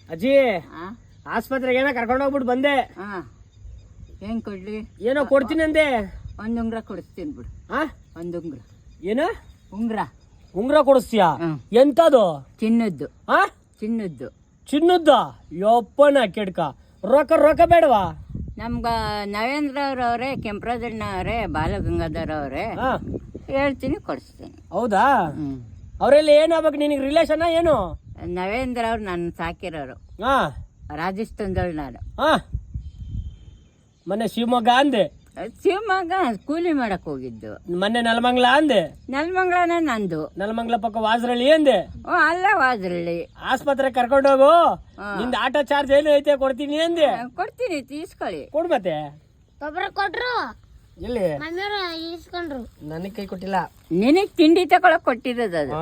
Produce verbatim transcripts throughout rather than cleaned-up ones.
ಅಜ್ಜಿ ಆಸ್ಪತ್ರೆಗೆ ಏನೋ ಕರ್ಕೊಂಡು ಹೋಗ್ಬಿಟ್ಟು ಬಂದೆ. ಏನ್ ಕೊಡ್ಲಿ? ಏನೋ ಕೊಡ್ತೀನಿ ಅಂದೆ. ಒಂದ್ ಉಂಗ್ರ ಕೊಡಿಸ್ತೀನಿ ಬಿಡು. ಒಂದ್ ಉಂಗ್ರ. ಏನು ಉಂಗ್ರ? ಉಂಗ್ರ ಕೊಡಿಸ್ತೀಯಾ? ಎಂತದು? ಚಿನ್ನದ್ದು. ಚಿನ್ನದ್ದು. ಚಿನ್ನದ್ದ? ಯಪ್ಪನ ಕೆಡ್ಕ. ರೊಕ್ಕ ರೊಕ್ಕ ಬೇಡವಾ? ನಮ್ಗ ನವೇಂದ್ರ ಅವ್ರವ್ರೆ, ಕೆಂಪರಾಜಣ್ಣ ಅವರೇ, ಬಾಲಗಂಗಾಧರ್ ಅವರೇ ಹೇಳ್ತೀನಿ, ಕೊಡಿಸ್ತೀನಿ. ಹೌದಾ? ಅವರೆಲ್ಲ ಏನಾಗ್ಬೇಕು ನಿನಗೆ? ರಿಲೇಷನ್ ಏನು? ನವೇಂದ್ರ ಅವ್ರು ನನ್ನ ಸಾಕಿರೋರು. ಹಾ, ರಾಜಸ್ಥಾನದವ್ರು ನಾನು. ಹಾ, ಮೊನ್ನೆ ಶಿವಮೊಗ್ಗ ಅಂದೆ. ಶಿವಮೊಗ್ಗ ಕೂಲಿ ಮಾಡಕ್ ಹೋಗಿದ್ದು. ಮೊನ್ನೆ ನೆಲಮಂಗ್ಲ ಅಂದೆ. ನೆಲಮಂಗ್ಲನೇ ನಂದು. ನೆಲಮಂಗ್ಲ ಪಕ್ಕ ವಾಜರಳ್ಳಿ ಅಂದೆ. ಓ, ಅಲ್ಲ ವಾಜರಳ್ಳಿ. ಆಸ್ಪತ್ರೆ ಕರ್ಕೊಂಡು ಹೋಗು, ನಿಂದ ಆಟೋ ಚಾರ್ಜ್ ಏನು ಐತೆ ಕೊಡ್ತೀನಿ ಅಂದೆ. ಕೊಡ್ತೀನಿ, ತೀಸ್ಕೊಳ್ಳಿ. ಕೊಡ್ ಮತ್ತೆ. ಕೊಟ್ರು ಎಲ್ಲಿ? ಇಸ್ಕೊಂಡ್ರು. ನನಗೆ ಕೈ ಕೊಟ್ಟಿಲ್ಲ. ನಿನಗ್ ತಿಂಡಿ ತಗೊಳಕ್ ಕೊಟ್ಟಿರೋದು ಅದು.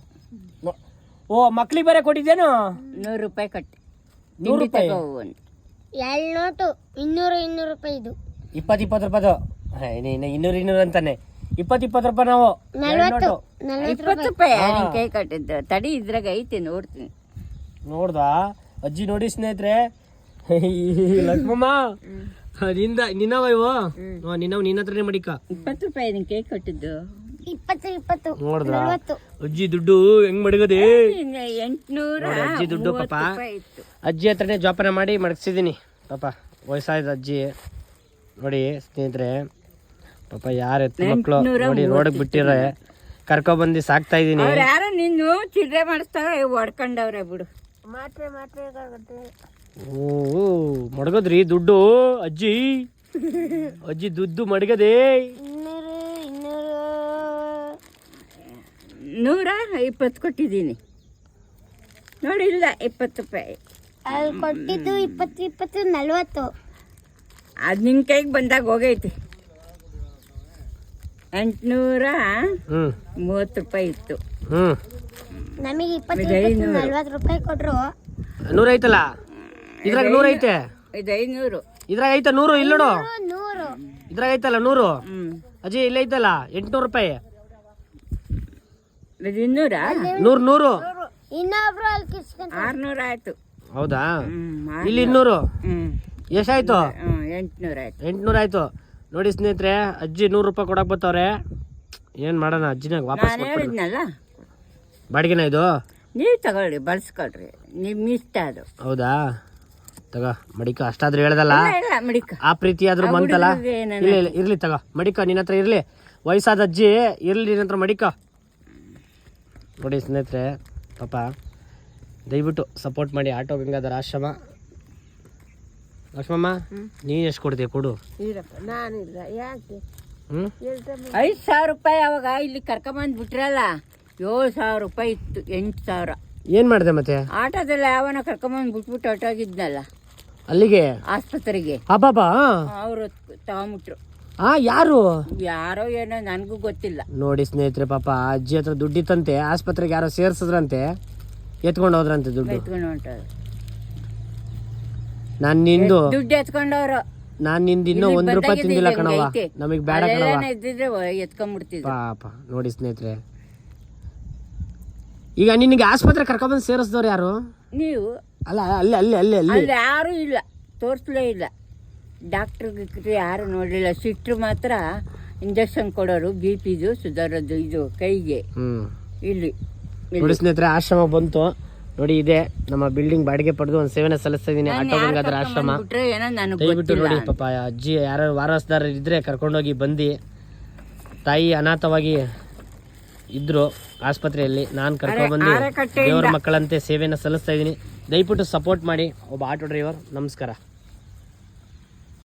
ಓ, ಮಕ್ಳಿಗೆ ಬೇರೆ ಕೊಟ್ಟಿದ್ದೇನು? ನೂರು ರೂಪಾಯಿ ಕಟ್ಟಿ. ನೂರು ರೂಪಾಯಿ? ಎರಡು ನೋಟು ಇನ್ನೂರು ಇನ್ನೂರು ರೂಪಾಯಿ. ಇದು ಇಪ್ಪತ್ತು ಇಪ್ಪತ್ತು ರೂಪಾಯಿದು. ಇನ್ನೂರು ಇನ್ನೂರು ಅಂತಾನೆ. ಇಪ್ಪತ್ತು ಇಪ್ಪತ್ತು ರೂಪಾಯಿ ನಾವು. ಇಪ್ಪತ್ತು ರೂಪಾಯಿ ನಿನ್ ಕೈ ಕಟ್ಟಿದ್ದು. ತಡಿ, ಇದ್ರಾಗ ಐತಿ, ನೋಡ್ತೀನಿ. ನೋಡ್ದ ಅಜ್ಜಿ? ನೋಡಿ ಸ್ನೇಹಿತರೆ, ಲಕ್ಷ್ಮಮ್ಮ ನಿಂದ ನಿನ್ನವ ಇವು ನಿನ್ನವ್ ನಿನ್ನ ಹತ್ರನೇ ಮಡಿಕ. ಇಪ್ಪತ್ತು ರೂಪಾಯಿ ನಿನ್ ಕೈ ಕಟ್ಟಿದ್ದು. ಇಪ್ಪತ್ತು ಇಪ್ಪತ್ತು. ನೋಡ್ದ ಅಜ್ಜಿ ದುಡ್ಡು ಹೆಂಗ್ ಮಡಗದೆ? ಎಂಟ್ನೂರ ಅಜ್ಜಿ ದುಡ್ಡು ಪಾಪ ಅಜ್ಜಿ ಹತ್ರನೇ ಜೋಪಾನ ಮಾಡಿ ಮಡಗಿಸಿದೀನಿ ಪಾಪ. ವಯಸ್ಸಾಯ್ತು ಅಜ್ಜಿ. ನೋಡಿ ಸ್ನೇಹಿತರೆ, ಪಾಪ ಯಾರ ಎತ್ತ ಮಕ್ಳು ನೋಡಿ ರೋಡಕ್ ಬಿಟ್ಟಿರ ಕರ್ಕೊ ಬಂದು ಸಾಕ್ತಾ ಇದೀನಿ. ಯಾರು ನಿನ್ನು ಚಿಡ್ರೆ ಮಾಡಿಸ್ತಾರ, ಹೊಡ್ಕೊಂಡವ್ರೆ ಬಿಡು. ಮಾತ್ರೆ ಮಾತ್ರೆ ಓ, ಮಡಗದ್ರಿ ದುಡ್ಡು ಅಜ್ಜಿ? ಅಜ್ಜಿ ದುಡ್ಡು ಮಡಗದೆ. ಇನ್ನೂರು ಇನ್ನೂರು ನೂರ ಇಪ್ಪತ್ತು ಕೊಟ್ಟಿದ್ದೀನಿ ನೋಡಿ. ಇಲ್ಲ, ಇಪ್ಪತ್ತು ರೂಪಾಯಿ ಅಲ್ಲಿ ಕೊಟ್ಟಿದ್ದು. ಇಪ್ಪತ್ತು ಇಪ್ಪತ್ತು ನಲ್ವತ್ತು. ಅದು ನಿನ್ ಕೈಗೆ ಬಂದಾಗ ಹೋಗೈತಿ. ಎಂಟ್ನೂರ ಮೂವತ್ತು ರೂಪಾಯಿ ಇತ್ತು. ಹ್ಮ್, ನಮಗೆ ಇಪ್ಪತ್ತು ನಲ್ವತ್ತು ರೂಪಾಯಿ ಕೊಟ್ರು. ನೂರ ಐತಲ್ಲ ಇದ್ರಾಗ? ನೂರ ಐತೆ ಇದು ಐನೂರು. ಇದ್ರಾಗ ಐತ ನೂರು? ಇಲ್ಲ ನೋಡು, ನೂರು ಇದ್ರಾಗ ಐತಲ್ಲ ನೂರು. ಹ್ಮ್, ಅಜ್ಜಿ ಇಲ್ಲ ಐತಲ್ಲ ಎಂಟ್ನೂರು ರೂಪಾಯಿ. ಇದು ಇನ್ನೂರ? ನೂರು ನೂರು. ಇನ್ನೊಬ್ರು ಅಲ್ಲಿ ಕಿಸ್ಕೊಂಡ್ ಆರ್ನೂರ ಆಯ್ತು. ಹೌದಾ? ಇಲ್ಲಿ ಇನ್ನೂರು. ಹ್ಮ್, ಎಷ್ಟಾಯ್ತು? ಎಂಟ್ನೂರ ಆಯ್ತು. ಎಂಟ್ನೂರ ಆಯ್ತು. ನೋಡಿ ಸ್ನೇಹಿತರೆ, ಅಜ್ಜಿ ನೂರು ರೂಪಾಯಿ ಕೊಡಕ್ ಬರ್ತವ್ರೆ. ಏನ್ ಮಾಡೋಣ? ಅಜ್ಜಿನಾಗ ವಾಪಸ್ ಹೇಳಿದ್ನಲ್ಲ, ಬಾಡಿಗೆನ ಇದು? ನೀವು ತಗೊಳ್ರಿ, ಬಳಸ್ಕೊಳ್ರಿ, ನಿಮ್ ಇಷ್ಟ ಅದು. ಹೌದಾ? ತಗ ಮಡಿಕ. ಅಷ್ಟಾದ್ರೂ ಹೇಳ್ದಲ್ಲ, ಇಲ್ಲ ಮಡಿಕ. ಆ ಪ್ರೀತಿ ಆದ್ರೂ ಬಂತಲ್ಲ. ಇಲ್ಲ ಇಲ್ಲ, ಇರ್ಲಿ ತಗ ಮಡಿಕ. ನಿನ್ನ ಹತ್ರ ಇರ್ಲಿ. ವಯಸ್ಸಾದ ಅಜ್ಜಿ ಇರ್ಲಿ, ನಿನ್ನ ಹತ್ರ ಮಡಿಕ. ನೋಡಿ ಸ್ನೇಹಿತರೆ, ಪಾಪ ದಯವಿಟ್ಟು ಸಪೋರ್ಟ್ ಮಾಡಿ. ಆಟೋ ಗಂಗಾಧರ ಆಶ್ರಮ. ಲಕ್ಷ್ಮಮ್ಮ, ನೀನು ಎಷ್ಟು ಕೊಡ್ತೀಯ? ಕೊಡು. ನಾನಿಲ್ಲ, ಯಾಕೆ? ಹ್ಮ್, ಐದು ಸಾವಿರ ರೂಪಾಯಿ ಅವಾಗ ಇಲ್ಲಿ ಕರ್ಕೊಂಬಂದ್ ಬಿಟ್ರಲ್ಲ, ಏಳು ಸಾವಿರ ರೂಪಾಯಿ ಇತ್ತು. ಎಂಟು ಸಾವಿರ ಏನ್ ಮಾಡಿದೆ ಮತ್ತೆ? ಆಟೋದಲ್ಲ ಯಾವನ ಕರ್ಕೊಂಬಂದ್ ಬಿಟ್ಬಿಟ್ಟು ಹೊಟ್ಟೋಗಿದ್ನಲ್ಲ ಅಲ್ಲಿಗೆ ಆಸ್ಪತ್ರೆಗೆ. ಅಬ್ಬಾಬಾ, ಅವರು ತಗೊಂಬಿಟ್ರು. ಆ ಯಾರು? ಯಾರೋ ಏನೋ ನನ್ಗೂ ಗೊತ್ತಿಲ್ಲ. ನೋಡಿ ಸ್ನೇಹಿತರೆ, ಪಾಪ ಅಜ್ಜಿ ಹತ್ರ ದುಡ್ಡಿತ್ತಂತೆ. ಆಸ್ಪತ್ರೆಗೆ ಯಾರೋ ಸೇರ್ಸದ್ರಂತೆ, ಎತ್ಕೊಂಡು ಹೋದ್ರಂತೆ ದುಡ್ಡು. ಎತ್ಕೊಂಡು ಹೊಂಟೋದು. ನಾನ್ ನಿಂದು ದುಡ್ಡು ಎತ್ಕೊಂಡವ್ರು. ನಾನ್ ನಿಂದ ಇನ್ನೂ ಒಂದ್ ರೂಪಾಯಿ ತಿಂದಿಲ್ಲ ಕಣವ. ನಮಗ್ ಬೇಡ ಕಣವ. ಇದ್ದಿದ್ರೆ ಎತ್ಕೊಂಡ್ಬಿಡ್ತಿದ್ರು. ಪಾಪ ನೋಡಿ ಸ್ನೇಹಿತರೆ, ಈಗ ನಿನಗೆ ಆಸ್ಪತ್ರೆ ಕರ್ಕೊಂಡ್ಬಂದು ಸೇರಿಸಿದವ್ರು ಯಾರು? ನೀವು. ಅಲ್ಲ, ಅಲ್ಲಿ ಅಲ್ಲಿ ಅಲ್ಲಿ ಅಲ್ಲಿ ಅಲ್ಲಿ ಯಾರು ಇಲ್ಲ, ತೋರಿಸ್ಲೇ ಇಲ್ಲ. ಡಾಕ್ಟ್ರ್ ಗಿಕ್ಟ್ರು ಯಾರು ನೋಡಲಿಲ್ಲ. ಸಿಟ್ರು ಮಾತ್ರ ಇಂಜೆಕ್ಷನ್ ಕೊಡೋರು, ಬಿ ಪಿದು ಸುಧಾರದ್ದು ಇದು ಕೈಗೆ. ಹ್ಮ್, ಇಲ್ಲಿ ನೋಡಿ ಸ್ನೇಹಿತರೆ, ಆಶ್ರಮ ಬಂತು ನೋಡಿ. ಇದೆ ನಮ್ಮ ಬಿಲ್ಡಿಂಗ್ ಬಾಡಿಗೆ ಪಡೆದು ಒಂದು ಸೇವೆನ ಸಲ್ಲಿಸ್ತಾ ಇದೀನಿ. ಆಟೋ ಗಂಗಾಧರ ಆಶ್ರಮ. ದಯವಿಟ್ಟು ನೋಡಿ ಪಾಪ ಅಜ್ಜಿ ಯಾರು ವಾರಸ್ದಾರ ಇದ್ರೆ ಕರ್ಕೊಂಡೋಗಿ ಬಂದು. ತಾಯಿ ಅನಾಥವಾಗಿ ಇದ್ರು ಆಸ್ಪತ್ರೆಯಲ್ಲಿ. ನಾನು ಕರ್ಕೊಂಡ್ಬಂದು ದೇವರ ಮಕ್ಕಳಂತೆ ಸೇವೆನ ಸಲ್ಲಿಸ್ತಾ ಇದ್ದೀನಿ. ದಯವಿಟ್ಟು ಸಪೋರ್ಟ್ ಮಾಡಿ. ಒಬ್ಬ ಆಟೋ ಡ್ರೈವರ್. ನಮಸ್ಕಾರ.